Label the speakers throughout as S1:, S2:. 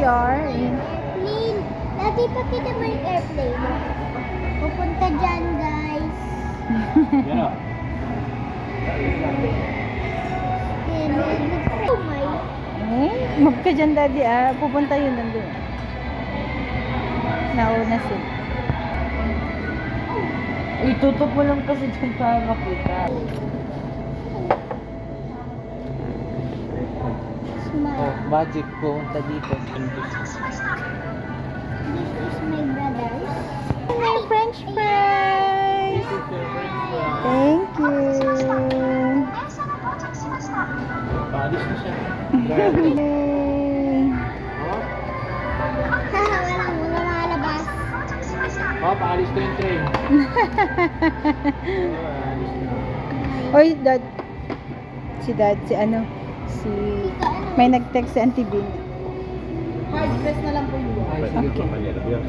S1: are in...
S2: Airplane. Dati pa kita mo yung airplane. Pupunta dyan, guys.
S3: Yan o.
S2: Oh my.
S1: Move ka dyan, daddy. Pupunta yun nandun. Nauna sila.
S3: Itutok mo lang kasi dyan para makita.
S2: Smile.
S3: Oh, magic pumunta dito.
S2: This is my brothers.
S1: My French fries! Thank you!
S3: Paalis na siya.
S1: Yay!
S2: Walang mga malabas.
S3: Oh, paalis ko yung train. Paalis na.
S1: Oy, dad. Si dad, si ano? Si... May nag-text si Auntie Bin.
S3: Ay, sige
S1: Okay.
S3: po, Yes.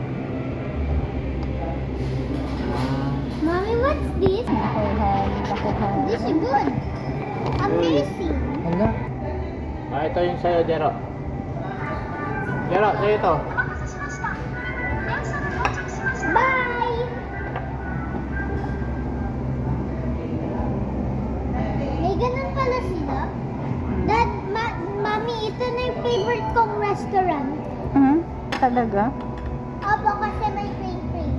S2: Mommy, what's this?
S1: Nakuhan, nakuhan.
S2: This is good. Amazing.
S3: Hala. Ito yung sa'yo, Jero. Jero, sa'yo ito.
S2: Bye! May ganun pala sila. Dad, Mami, ito na yung favorite kong restaurant.
S1: Talaga?
S2: Opo, kasi may crane.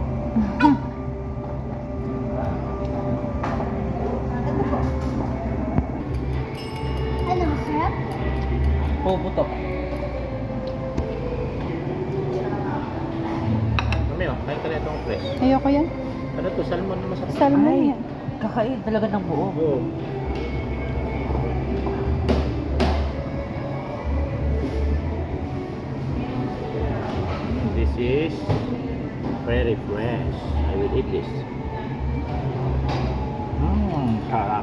S2: Ano, masarap?
S3: Oh, putok. Mami, oh, kain ka na itong fresh.
S1: Ayoko yan.
S3: Ano to, salmon na masarap.
S1: Salmon
S3: Ay,
S1: yan.
S3: kakain talaga ng buo. Oo. This is very fresh. I will eat this. Sarap.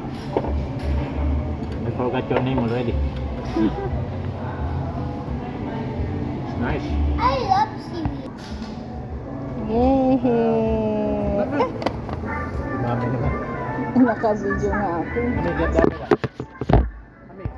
S3: I forgot your name already. It's nice.
S2: I love seaweed.
S1: Yay!
S3: Dami naman.
S1: Naka-video nga ako.
S3: Ano yung dami na?